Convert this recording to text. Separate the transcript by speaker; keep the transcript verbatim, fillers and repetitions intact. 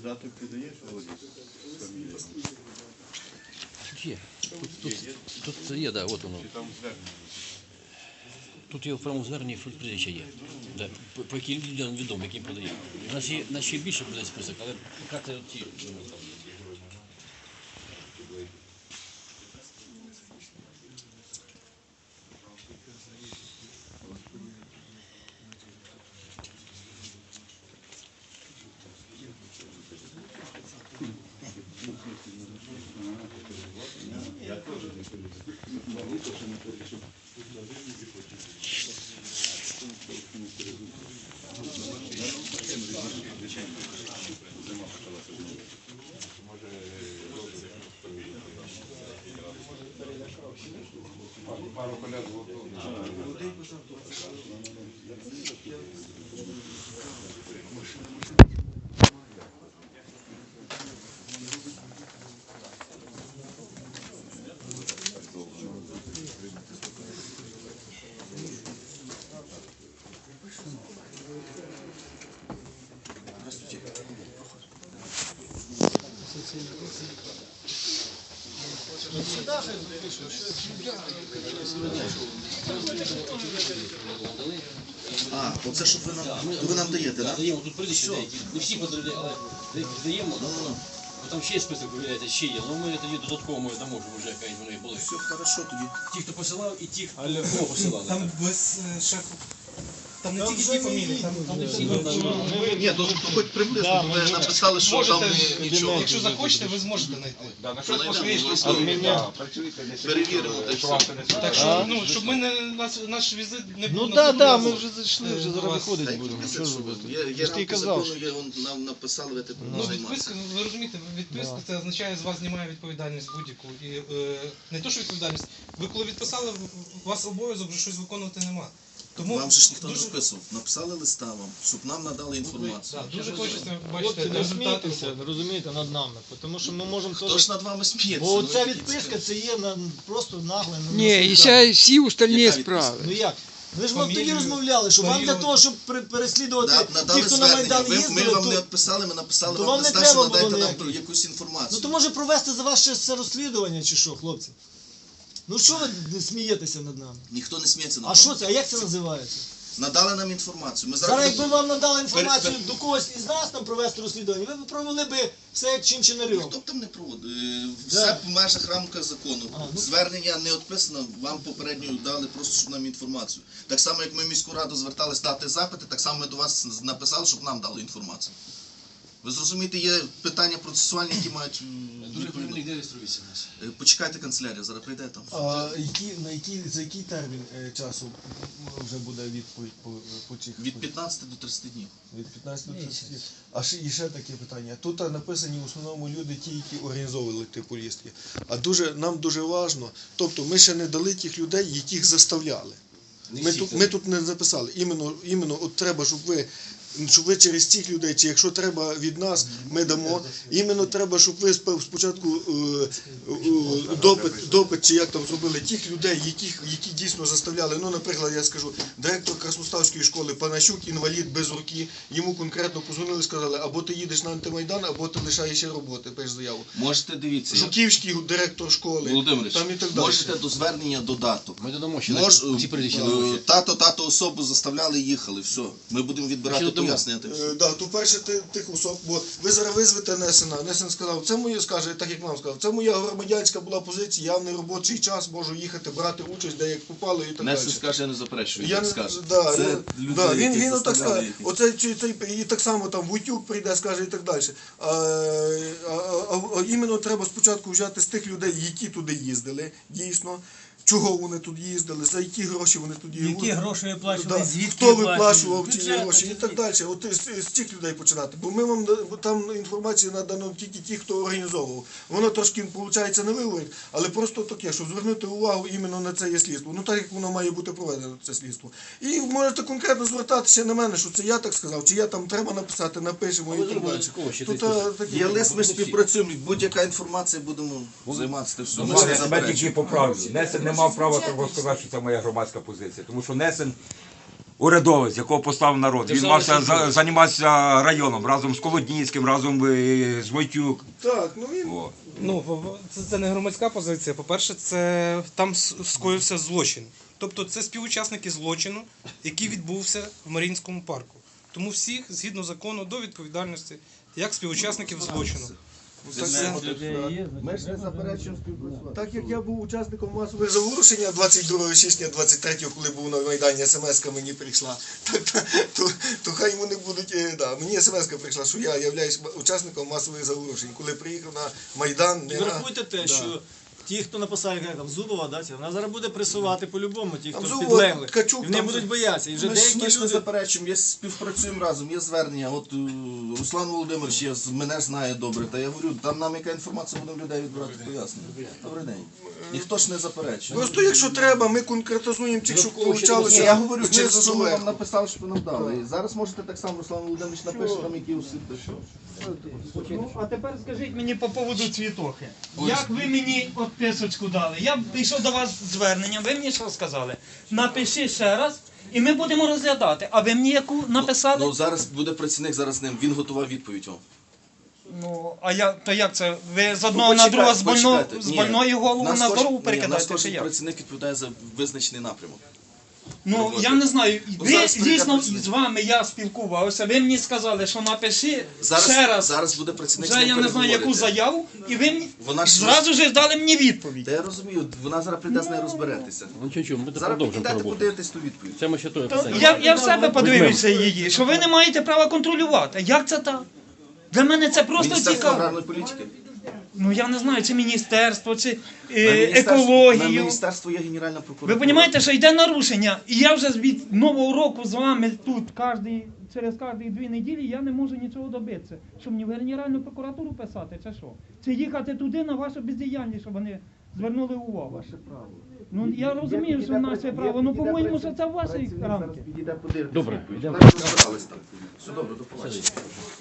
Speaker 1: Додаток ти даєш, Володя? Фамілія?
Speaker 2: Є. Тут, тут, тут є, да, от воно.
Speaker 1: Чи там звернення?
Speaker 2: Тут його в правому зверненні прізвище є. Да. По, по яким людям відомо, яким продає. У нас є, у нас ще більше буде список, але поки це ті.
Speaker 1: Я теж не
Speaker 3: Пару колег готові.
Speaker 4: А, оце що ви нам, ви нам даєте, так?
Speaker 2: Даємо, тут прізвище деякі. Не всі подають, але деякі даємо. Бо там ще є список, виявляється, ще є. Ну ми тоді додатково ми дамо, щоб вже якась вони були.
Speaker 4: Все хорошо тоді.
Speaker 2: Ті, хто посилав, і ті, хто посилали.
Speaker 5: Там без е, шефу. Там не тільки ті фамілії, там, там не всі.
Speaker 4: Ні, то, то хоч приблизно, то ви написали, що там
Speaker 5: Можете,
Speaker 4: не- нічого.
Speaker 5: якщо захочете, ви зможете знайти.
Speaker 3: Да, на
Speaker 4: Що
Speaker 3: щось
Speaker 4: знайдемо,
Speaker 3: пошли,
Speaker 4: обов'язково.
Speaker 3: працюйте десь.
Speaker 4: Перевіримо, та й
Speaker 3: Що вам
Speaker 4: все.
Speaker 3: це не
Speaker 5: Так
Speaker 3: так,
Speaker 5: що, ну, щоб ми не, наш, наш візит не був
Speaker 6: Ну
Speaker 5: на
Speaker 6: так, так,
Speaker 5: другий
Speaker 6: ми
Speaker 5: раз.
Speaker 6: вже зайшли, вже
Speaker 5: Е,
Speaker 6: зараз
Speaker 5: у вас-
Speaker 6: виходить
Speaker 4: Та
Speaker 6: будемо.
Speaker 4: який
Speaker 6: Що ж
Speaker 4: місяць,
Speaker 6: робити?
Speaker 4: Є, є
Speaker 6: Я ж ти
Speaker 4: рамки
Speaker 6: казав,
Speaker 4: закону, є, вон, нам написали, ви тепер
Speaker 5: Ну,
Speaker 4: займатися.
Speaker 5: відписка, ви розумієте, відписка це означає, з вас знімає відповідальність будь-яку. І е, не то, що відповідальність. Ви коли відписали, у вас обов'язок вже щось виконувати нема. Тому
Speaker 4: Вам же ж ніхто не
Speaker 5: дуже,
Speaker 4: розписував. Написали листа вам, щоб нам надали інформацію.
Speaker 5: да, дуже хочеться
Speaker 6: Хлопці,
Speaker 5: бачити
Speaker 6: не
Speaker 5: результати.
Speaker 6: смійтеся,
Speaker 5: роботи.
Speaker 6: розумієте, над нами, тому що ми можемо
Speaker 4: Хто
Speaker 6: теж...
Speaker 4: ж над вами сміється?
Speaker 6: Бо
Speaker 4: Ну,
Speaker 6: оця
Speaker 4: ви такі
Speaker 6: відписка,
Speaker 4: цікаві.
Speaker 6: це є на, просто нагле. на-
Speaker 7: Ні,
Speaker 6: на
Speaker 7: і
Speaker 6: справі.
Speaker 7: ще всі остальні
Speaker 4: Яка
Speaker 7: справи.
Speaker 6: Ну як? Ви ж вам тоді
Speaker 5: Фамілію,
Speaker 6: розмовляли, що вам для
Speaker 5: період.
Speaker 6: того, щоб пере- переслідувати
Speaker 4: Да,
Speaker 6: ті,
Speaker 4: надали
Speaker 6: хто на
Speaker 4: звернення.
Speaker 6: Майдан
Speaker 4: Ви, ми
Speaker 6: їздили,
Speaker 4: вам не
Speaker 6: то...
Speaker 4: відписали, ми написали
Speaker 6: то
Speaker 4: вам
Speaker 6: вам не
Speaker 4: листа,
Speaker 6: треба
Speaker 4: що надайте
Speaker 6: було
Speaker 4: нам
Speaker 6: ніяких.
Speaker 4: якусь інформацію.
Speaker 6: Ну то може провести за вас ще все розслідування, чи що, хлопці? Ну що ви смієтеся над нами?
Speaker 4: Ніхто не сміється над
Speaker 6: А
Speaker 4: вами.
Speaker 6: що це? А як це називається?
Speaker 4: Надали нам інформацію. Ми
Speaker 6: Зараз якби
Speaker 4: будемо-
Speaker 6: вам надали інформацію
Speaker 4: Пер-
Speaker 6: до когось із нас там провести розслідування, ви б провели би все як чинчинарем.
Speaker 4: Хто б там не проводив? Е,
Speaker 6: Да.
Speaker 4: Все в межах рамках закону.
Speaker 6: А, ну.
Speaker 4: Звернення не відписано, вам попередньо дали просто, щоб нам інформацію. Так само, як ми в міську раду звертались дати запити, так само ми до вас написали, щоб нам дали інформацію. Ви зрозумієте, є питання процесуальні, які мають м,
Speaker 2: Дуже
Speaker 4: відповідно.
Speaker 2: правильно, де реєструється у нас.
Speaker 4: Е, Почекайте канцелярія, зараз прийде там.
Speaker 6: А які, на який, за який термін е, часу вже буде відповідь по, по цих?
Speaker 4: Від п'ятнадцяти до тридцяти днів.
Speaker 6: Від п'ятнадцяти до тридцяти. А ще, і ще таке питання. Тут написані в основному люди, ті, які організовували ті поїздки. А дуже, нам дуже важливо, тобто ми ще не дали тих людей, яких заставляли. Ми тут, ми тут не записали. Іменно, іменно от треба, щоб ви, щоб ви через цих людей, чи якщо треба від нас, ми дамо. Іменно треба, щоб ви спо- спочатку е, е, допит, допит, чи як там зробили, тих людей, яких, які дійсно заставляли. Ну, наприклад, я скажу, директор Красноставської школи Панащук, інвалід без руки, йому конкретно позвонили, сказали, або ти їдеш на антимайдан, або ти лишаєшся роботи, пиш заяву.
Speaker 4: Можете, дивіться,
Speaker 6: Жуківський директор школи,
Speaker 4: Володимирович,
Speaker 6: там і так далі.
Speaker 4: можете до звернення додаток.
Speaker 2: Ми додамо ще
Speaker 4: Мож,
Speaker 2: ці прізвища.
Speaker 4: е, тато, тато особу заставляли, їхали, все. Ми будемо відбирати
Speaker 2: Ще додамо.
Speaker 4: пояснення. та й все.
Speaker 6: Е, Да, то перше ти- тих особ, бо ви зараз визвете Несена. Несен сказав, це моє, скаже, так як нам сказав, це моя громадянська була позиція, я в неробочий час можу їхати, брати участь, де як попало і так далі.
Speaker 4: Несен скаже, я не заперечую,
Speaker 6: Я
Speaker 4: як
Speaker 6: не,
Speaker 4: скаже.
Speaker 6: да,
Speaker 4: Це
Speaker 6: я-
Speaker 4: люди,
Speaker 6: да, він,
Speaker 4: які
Speaker 6: він отак
Speaker 4: заставляли
Speaker 6: скаже,
Speaker 4: їх.
Speaker 6: оце, чи- цей, і так само там Вутюк прийде, скаже і так далі. А, а, а, а іменно треба спочатку взяти з тих людей, які туди їздили, дійсно. Чого вони тут їздили, за які гроші вони тут їздили.
Speaker 8: Які гроші виплачували,
Speaker 6: Да.
Speaker 8: звідки
Speaker 6: Хто виплачував ці
Speaker 8: Бюджет,
Speaker 6: гроші і так далі. От з, з цих людей починати. Бо ми вам да- бо там інформація надано тільки ті, хто організовував. Воно трошки, виходить, не виговорить, але просто таке, щоб звернути увагу іменно на це є слідство. Ну так як воно має бути проведено, це слідство. І можете конкретно звертатися на мене, що це я так сказав, чи я там треба написати, напишемо
Speaker 2: Але
Speaker 6: і так
Speaker 2: зробимо
Speaker 6: далі.
Speaker 2: додатково ще
Speaker 6: Тут
Speaker 2: той
Speaker 6: а,
Speaker 2: список.
Speaker 6: такі.
Speaker 4: Є лист, ми співпрацюємо, будь-яка інформація будемо займатися. Все. Ми ж не
Speaker 3: Я тебе
Speaker 4: заперечуємо.
Speaker 3: тільки поправлю. Несен не мав права того сказати, що це моя громадська позиція. Тому що Несен
Speaker 7: урядовець, якого поставив народ. Він
Speaker 2: Державний
Speaker 7: мався
Speaker 2: службовець.
Speaker 7: за- займатися районом разом з Колодніцьким, разом е, з Войтюк.
Speaker 6: Так, ну він
Speaker 7: О.
Speaker 5: Ну, в- в- це, це не громадська позиція. По-перше, це там с- скоївся злочин. Тобто це співучасники злочину, який відбувся в Маріїнському парку. Тому всіх, згідно закону, до відповідальності, як співучасників злочину.
Speaker 4: Ми ж не заперечуємо співпрацювати.
Speaker 6: Так як я був учасником масового заворушення двадцять другого січня двадцять третього, коли був на Майдані, смс-ка мені прийшла, так, то, то, то хай вони будуть, е, да, мені смс-ка прийшла, що я являюсь учасником масових заворушень. Коли приїхав на Майдан,
Speaker 8: І
Speaker 6: не на...
Speaker 8: врахуйте те,
Speaker 6: Да.
Speaker 8: що ті, хто написав, як там Зубова, да, ці, вона зараз буде пресувати по-любому, ті,
Speaker 6: Там
Speaker 8: хто
Speaker 6: Зубова,
Speaker 8: підлеглих.
Speaker 6: Ткачук,
Speaker 8: І вони
Speaker 6: там
Speaker 8: будуть
Speaker 6: же-
Speaker 8: боятися. І вже
Speaker 4: Ми ж,
Speaker 8: деякі
Speaker 4: ми ж не
Speaker 8: люди.
Speaker 4: заперечуємо, є, співпрацюємо разом, є звернення. От е, Руслан Володимирович, я, з- мене знає добре, та я говорю, там нам яка інформація, будемо людей відбирати пояснення. Добрий день. Ніхто ж не заперечує.
Speaker 6: Просто якщо треба, ми конкретизуємо тих, що
Speaker 4: Ні,
Speaker 6: получалося.
Speaker 4: я говорю, через
Speaker 6: знизу
Speaker 4: що ми
Speaker 6: доверху.
Speaker 4: вам написали, що ви нам дали. І зараз можете так само, Руслан Володимирович напише там, які усі що.
Speaker 9: Ну, а тепер скажіть мені по поводу цвітохи. Як ви мені відписочку дали? Я прийшов до вас з зверненням, ви мені що сказали? Напиши ще раз, і ми будемо розглядати. А ви мені яку написали?
Speaker 4: Ну зараз буде працівник зараз з ним, він готував відповідь вам.
Speaker 9: Ну, а я, то як це? Ви з одного
Speaker 4: Ну,
Speaker 9: на
Speaker 4: почекайте,
Speaker 9: друге з, больно,
Speaker 4: почекайте.
Speaker 9: з
Speaker 4: Ні,
Speaker 9: больної голову
Speaker 4: нас
Speaker 9: на
Speaker 4: кож-
Speaker 9: дорогу
Speaker 4: ні, нас
Speaker 9: перекидаєте,
Speaker 4: кожен
Speaker 9: чи як?
Speaker 4: працівник відповідає за визначений напрямок.
Speaker 9: Ну,
Speaker 4: роботи.
Speaker 9: я не знаю, ви
Speaker 4: зараз прийде
Speaker 9: дійсно
Speaker 4: працівник.
Speaker 9: з вами я спілкувався, ви мені сказали, що напиши
Speaker 4: Зараз,
Speaker 9: ще раз,
Speaker 4: зараз буде працівник з
Speaker 9: вже
Speaker 4: ним
Speaker 9: я не знаю яку
Speaker 4: переговорити.
Speaker 9: заяву, і ви мені
Speaker 4: Вона ж-
Speaker 9: зразу ж дали мені відповідь.
Speaker 4: Та я розумію, вона зараз прийде з нею розберетеся.
Speaker 2: Ну чого, ми
Speaker 4: Зараз
Speaker 2: продовжимо
Speaker 4: підійдете,
Speaker 2: роботу.
Speaker 4: подивитесь ту відповідь.
Speaker 2: Це ми ще троє
Speaker 9: То
Speaker 2: писання.
Speaker 9: я, я в себе подивився її, що ви не маєте права контролювати. Як це так? Для мене це просто
Speaker 4: Міністерство
Speaker 9: цікаво.
Speaker 4: аграрної політики.
Speaker 9: Ну я не знаю, чи міністерство, чи
Speaker 4: На
Speaker 9: е,
Speaker 4: міністерство- На
Speaker 9: екологію.
Speaker 4: міністерство є генеральна прокуратура.
Speaker 9: Ви розумієте, що йде нарушення, і я вже від нового року з вами тут кожний, через кожні дві неділі я не можу нічого добитися. Що мені в Генеральну прокуратуру писати, чи що? Чи їхати туди на вашу бездіяльність, щоб вони звернули увагу?
Speaker 4: Ваше право.
Speaker 9: Ну я розумію, що наше право, ну по-моєму, що це в вашій рамки.
Speaker 4: Підійде, подивитися.
Speaker 2: Добре,
Speaker 4: відповідь.
Speaker 2: йдемо.
Speaker 4: Там розбирались там. Все добре, до побачення.